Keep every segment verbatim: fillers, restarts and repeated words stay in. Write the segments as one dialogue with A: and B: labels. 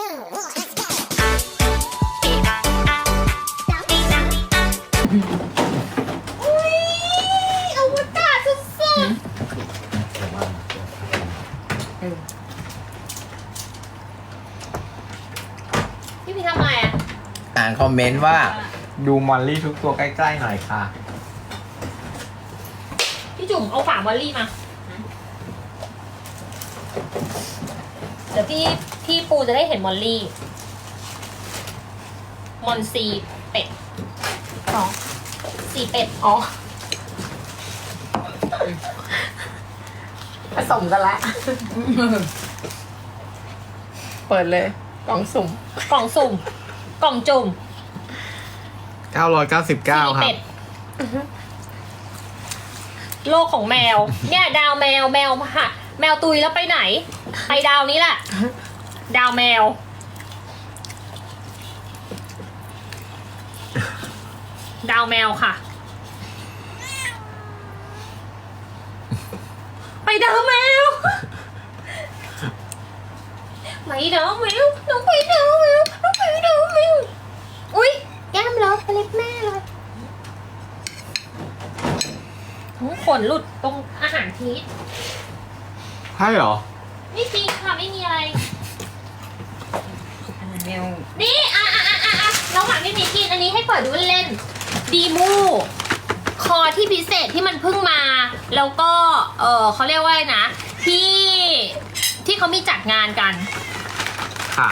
A: อุ้ยอวกาศสุดๆพี่พี่ทำอะไรอ่ะ
B: อ่านคอมเมนต์ว่าดูมอลลี่ทุกตัวใกล้ๆหน่อยค่ะ
A: พี่จุ๋มเอาฝามอลลี่มา เดี๋ยวพี่พี่ปูจะได้เห็นมอลลี่ มอนซีเป็ดอ๋อซีเป็ดอ๋อ
C: ผสมกันละ เปิดเลยกล่องสุ่ม
A: กล่องสุ่ม กล่องจุ่ม
B: เก้าร้อยเก้าสิบเก้า
A: ซี
B: ครั
A: เป็
B: บ
A: ด โลกของแมว เนี่ยดาวแมวแมวหะแมวตุยแล้วไปไหน ไปดาวนี้แหละ ดาวแมว ดาวแมวค่ะ ไปดาวแมว ไปดาวแมวน้องไปดาวแมวน้องไปดาวแมวอุ๊ยแก้มเลอะเล็บแม่เลยขนหลุดตรงอาหารพีช
B: ใช่เหรอ
A: ไม่จริงค่ะไม่มีอะไร
C: แมว
A: นี่อ่ะอ่ะอ่ะอ่ะอ่ะระหว่างที่มีกินอันนี้ให้เปิดดูเล่นๆดีมูคอที่พิเศษที่มันเพิ่งมา แล้วก็ เออเขาเรียกว่าอะไรนะ ที่ที่เขามีจัดงานกัน
B: ค่ะ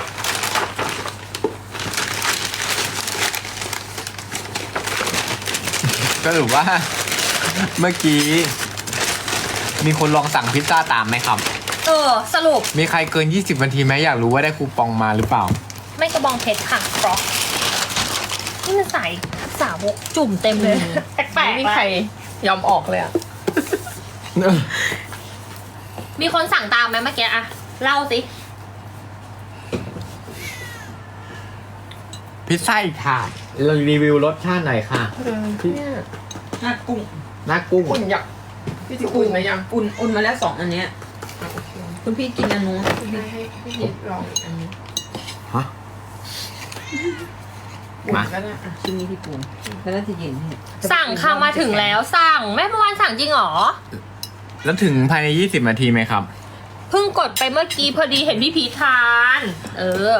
B: ก็ถือว่า เมื่อกี้ มีคนลองสั่งพิซซ่าตามไหมครับ
A: เออ สรุป
B: มีใครเกิน ยี่สิบนาทีไหมอยากรู้ว่าได้คูปองมาหรือเปล่า
A: ไม่กระบองเพชรค่ะฟรอกนี่มันใส่สาวกจุ่มเต็มเลย แปลก
C: ไม่มี
A: ๆ
C: ใคร
A: ละ
C: ยอมออกเลยอ่ะ
A: มีคนสั่งตามไหมเมื่อกี้อะเล่าสิ
B: พิซซ่าอีกถาดเรารีวิวรสชาติหน่อยค่ะ
C: เออเนี่ย
D: หน้ากุ้ง
B: หน้ากุ้ง
C: อุ่นอยากพี่จะอุ่นไหมยัง
D: อุ่นอุ่นมาแล้วสองอันเนี้ยคุณพี่กินอันนู้นคุณพี่
C: ให้พี่ยิบลองอีกอันนี้
B: ฮะ
C: อุ่น
B: มา
C: ก็ได้อ่ะ
D: ชิ้นนี้พี่ปูนแล้วน่าจะเย็นเนี่ย
A: สั่งค่ะมาถึงแล้วสั่งแม่เมื่อวานสั่งจริงเหรอ
B: แล้วถึงภายใน ยี่สิบนาทีไหมครับ
A: เพิ่งกดไปเมื่อกี้พอดีเห็นพี่พีททาน เออ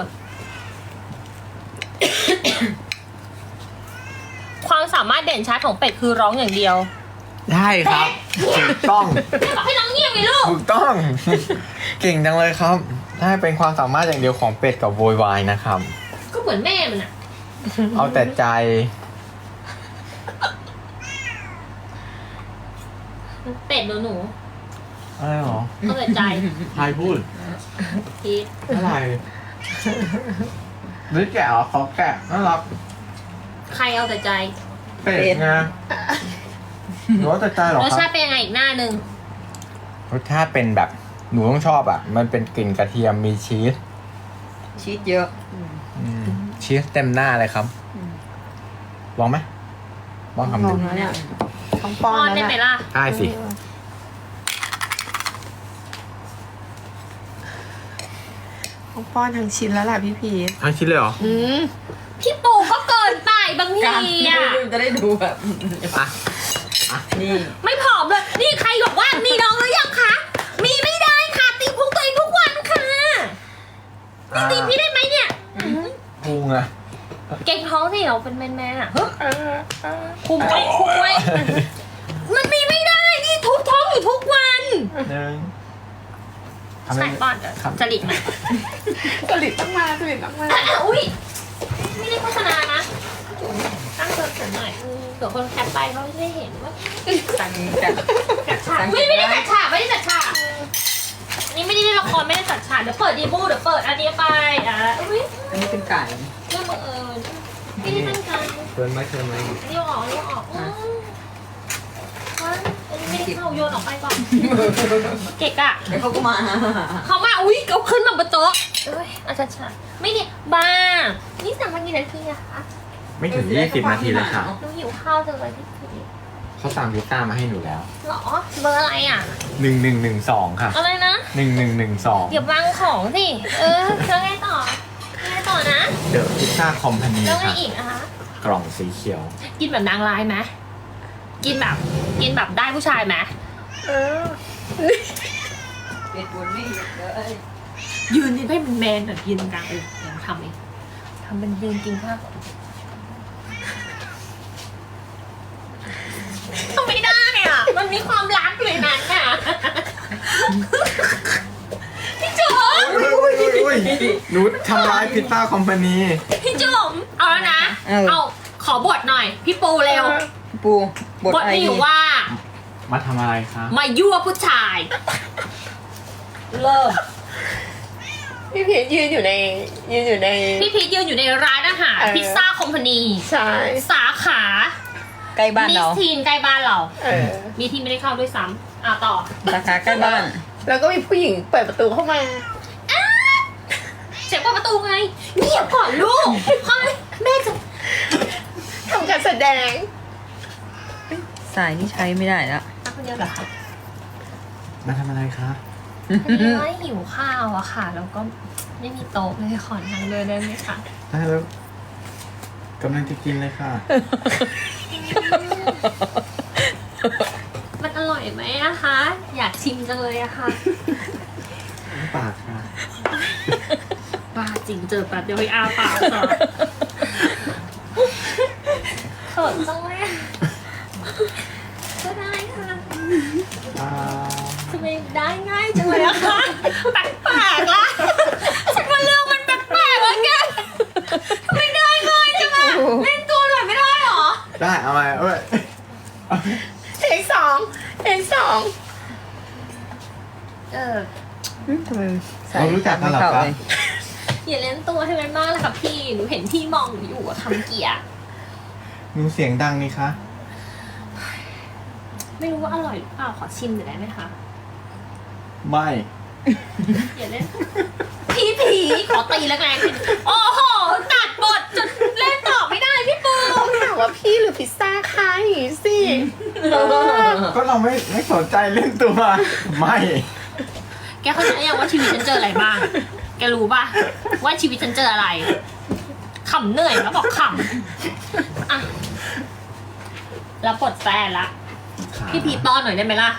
A: ความสามารถเด่นชัดของเป็ดคือร้องอย่างเดียว
B: ได้ครับถูกต้อง
A: แม่บอกให้น้องเงียบไงลูก
B: ถูกต้อง เก่งจังเลยครับได้เป็นความสามารถอย่างเดียวของเป็ดกับโวยวายนะครับ
A: ก็เหมือนแม่มันอะ
B: เอาแต่ใจ
A: เป็ดหนูหนู
B: อะไรหรอ
A: เอาแต่ใจ
B: ใครพูด
A: พีท
B: อะไรหรือแกะเหรอเขาแกะน่ารัก
A: ใครเอาแต่ใจ
B: เป็ดไงหนูเอาแต่ใจเหรอ
A: รส
B: ค
A: ชา
B: รับ
A: ติเป็นยังไงอีกหน้าหนึ่ง
B: รสชาติเป็นแบบหนูต้องชอบอ่ะ มันเป็นกลิ่นกระเทียมมีชีส
D: ชีสเยอะ
B: อืมชีสเต็มหน้าเลยครับลองไหมลองทำ
D: ล
B: ดู
D: องแล้วเนี่ย
C: ต้อง
A: ป้
C: ป้
A: อ
C: อน
A: นได้
C: แล้ว
A: ไหม
C: แหละ
A: ล่ะ
B: ได้สิ
C: ต้องป้อนทั้งชิ้นแล้วแหละพี่พีท
B: ทั้งชิ้นเลยเหรอ
C: อืม
A: พี่ปูก็เกินไปบาง
D: การ
A: ทีอะ
D: จะได้ดูแบบ
B: อ่ะ
D: นี่
A: ไม่ผอมเลย นี่ใครบอกว่ามีน้องหรือยังคะ มีไม่ได้ค่ะ ตีพุงตัวเองทุกวันค่ะนี่ตีพี่ได้ไหมเนี่ย
B: พุงอะ
A: เก่งท้องสิเราเป็นแมนแมนๆอะเฮ้ย
C: เออเออ
A: คุมไว้คุมไว้ มันมีไม่ได้ นี่ทุบท้องอยู่ทุกวัน
B: หนึ่งทำ
A: ใส่
B: ไม
A: ป้อน
B: ครับ
A: จริตนะ
C: สลิดต้องมาสลิดต้องมา
A: อุ้ยไม่ได้โฆษณานะตั้งเสริมหน่อยอืมเดี๋ยวคนแคปไปเขาจะได้เห็นว่า
D: สั่งกัน
A: จัดฉากไม่ไม่ได้จัดฉากไม่ได้จัดฉากอันนี้ไม่ได้เล่นละครไม่ได้จัดฉากเดี๋ยวเปิดดีบูเดี๋ยวเปิดอันนี้ไปอ่ะอุ้ย
D: อันนี้เป็นไก่
A: เรื่องบังเอิญไม่ได้ตั้งใจ
B: เกินไหมเกินไหม
A: อันนี้เอาออกอันนี้เอาออกอืมว้ายอันนี้ไม่ได้เข้าโยนออกไปก่อนเก๊กอะ
D: แล้วเขาก็มา
A: เขามาอุ้ยเอาขึ้นมาบนโต๊ะเอ้ยอาจารย์ฉากไม่เนี่ยบ้านี่สั่งมากี่นาทีอะคะ
B: ไม่ถึงยี่สิบนาทีเลยค่ะ
A: หนูหิวข้าวจังเลยพี่พี
B: เขาสั่งพิซซ่ามาให้หนูแล้ว
A: หรอเบอร์อะไรอ่ะ
B: หนึ่งหนึ่งหนึ่งสองค่ะ
A: อะไรนะ
B: หนึ่งหนึ่งหนึ่งสอง
A: อย่าวางของสิ เออแล้วไงต่อ
B: เดอะพิซซ่าคอมพานี
A: แล้วไง
B: ค่ะ
A: อีกนะคะ
B: กล่องสีเขียว
A: กินแบบนางร้ายไหมกินแบบกินแบบได้ผู้ชายไหม
C: เออ
D: เป็ดบนไม่หยุดเลย
A: ยืนนี่ให้มันแมนแบบยืนตรงกลางเออเดี๋ยวทำเองทำเป็นยืนกินข้าวทำไม่ได้อ่ะมันมีความรักอยู่ในนั้นอ่ะพี่จุ๋ม
B: อุ้ยอุ้ยอุ้ยอุ้ยหนูทำร้ายพิซซ่าคอมพานี
A: พี่จุ๋มเอาแล้วนะ เอาขอบทหน่อย พี่ปูเร็ว
D: ปูบด
A: บท
D: ไอ
A: มีอยู่ว่า
B: มาทำอะไรคะ
A: มายั่วผู้ชาย เริ่ม
C: พี่พีชยืนอยู่ในยืนอยู่ใน
A: พี่พีทยืนอยู่ในร้านอาหาร
C: เออ
A: พิซซ่าคอมพานี
C: ใช่
A: สาขา
D: ใกล้บ้าน
A: นิ
D: เรา
A: สทีนใกล้บ้านเรา
C: เออ
A: มีที่ไม่ได้เข้าด้วยซ้ำอ่ะต่อ
D: สาขาใกล้บ้าน
C: แล้วก็มีผู้หญิงเปิดประตูเข้ามา
A: เสียงเปิดประตูไงเงียบก่อนลูกเฮ้ยแม่จะ
C: ทำการแสดง
D: สายนี่ใช้ไม่ได้แล้ว
A: มาคนเดียวเหรอคะ
B: มาทำอะไรคะ
A: พอดีว่าหิวข้าวอะค่ะ แล้วก็ไม่มีโต๊ะเลยขอทางเดินได้ไหมคะ
B: ได้แล้วกำลังจะกินเลยค่ะ
A: มันอร่อยไหมอะคะ อยากชิมจังเลยอะค่ะ
B: ปากค่ะ
A: บ้าจริงเจอแป๊บเดียวให้อาปากก่อนเขินจังเลยอะก็ได้ค่ะ
B: อ่า
A: ทำไมได้ง่ายจังเลยอะคะแปลกๆละฉันว่าเรื่องมันแปลกๆแล้วแกทำไมได้ง่ายจังอะเล่นตัวหน่อยไม่ได้หรอ
B: ได้เอามาเอ้ย
C: เทคสองเทคสอง
A: เออ
D: ทำไมสาย
B: เรารู้จักกันเหรอครับ
A: อย่าเล่นตัวให้มันมากเลยค่ะพี่ หนูเห็นพี่มองหนูอยู่อะคำเกียร์
B: หนูเสียงดังนี่คะ
A: ไม่รู้ว่าอร่อยหรือเปล่า ขอชิมหน่อยได้ไหมคะ
B: ไม่
A: อย่าเล่น พี่ผีขอตีแล้วไง โอ้โห ตัดบทจนเล่นต่อไม่ได้พี่ปู
C: ต้องถามว่าพี่หรือพิซซ่าใครสิ
B: ก็เราไม่ไม่สนใจเล่นตัว ไม่
A: แกเข้าใจยังว่าชีวิตฉันเจออะไรบ้าง แกรู้ป่ะว่าชีวิตฉันเจออะไร ขำเหนื่อยแล้วบอกขำอ่ะแล้วปลดแฟนละ พี่พีป้อนหน่อยได้ไหมล่ะ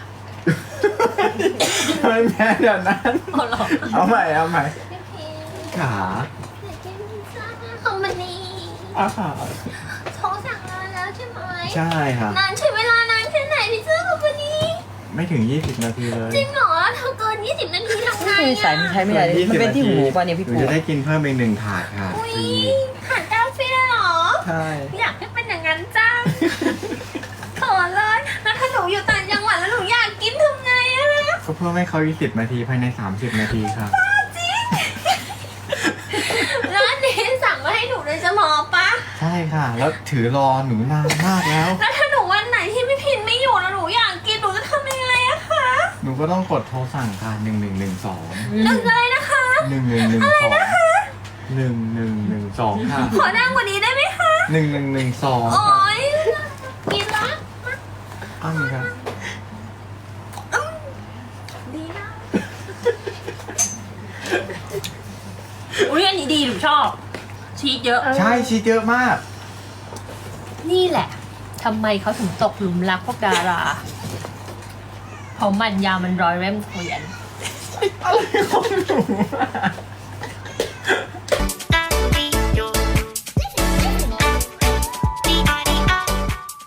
B: ไม่แม่เดี๋ยวนั้น
A: เอาหรอ
B: เอาใหม่เอาใหม่
A: พี่พี
B: ขา
A: อยากกินพิซซ่าคอมพานี
B: อาขา
A: โทรสั่งนานแล้วใช่ไหม
B: ใช่ค่ะ
A: นานใช้เวลานานแค่ไหนพิซซ่าคอมพานี
B: ไม่ถึงยี่สิบนาทีเลย
A: จริงเหรอทำเกินยี่สิบนาทีทำไง
D: คือสายมัน
A: อ่ะ
D: ใช้ไม่ได้เลยมันเป็นที่หูป่ะเนี่ยพี่
B: หนู
D: ปู
B: จะได้กินเพิ่มอีกหนึ่งถาดค่ะ
A: อุ้ย
B: ฟรี
A: หารกาแฟเหรอ
B: ใช่
A: อยากให้เป็นอย่างนั้นจ้าขอเลยแล้วถ้าหนูอยู่ต่างจังหวัดแล้วหนูอยากกินทำไงอะ
B: ก็เพื่อให้เขายี่สิบนาทีภายในสามสิบนาทีค่ะ
A: ร้านนี้สั่งมาให้หนูโดยเฉพาะปะ
B: ใช่ค่ะ แล้วถือรอหนูนานมากแล้ว
A: แล้วถ้าหนูวันไหนที่ไม่พินไม่อยู่แล้วหนูอยากกินหนูจะทำยังไงอะคะ
B: หนูก็ต้องกดโทรสั่งค่ะหนึ่งหนึ่งหนึ่งสอง
A: หนึ่งเลยนะคะ
B: หนึ่งหนึ่งหนึ่งสองหนึ่งหนึ่งหนึ่งสองค่ะ
A: ขอนั่งกว่านี้ได้ไหมคะ
B: หนึ่งหนึ่งหนึ่งสอง
A: โอ๊ยกินละ
B: อ้าวมีครับ
A: ดีนะอุ้ยอันนี้ดีหนูชอบ ชีสเยอะ
B: ใช่ชีสเยอะมาก
A: นี่แหละทำไมเขาถึงตกหลุมรักพวกดารา เพราะมันยาวมันร้อยเล่มเกวียน
B: อะไรของหนูอะ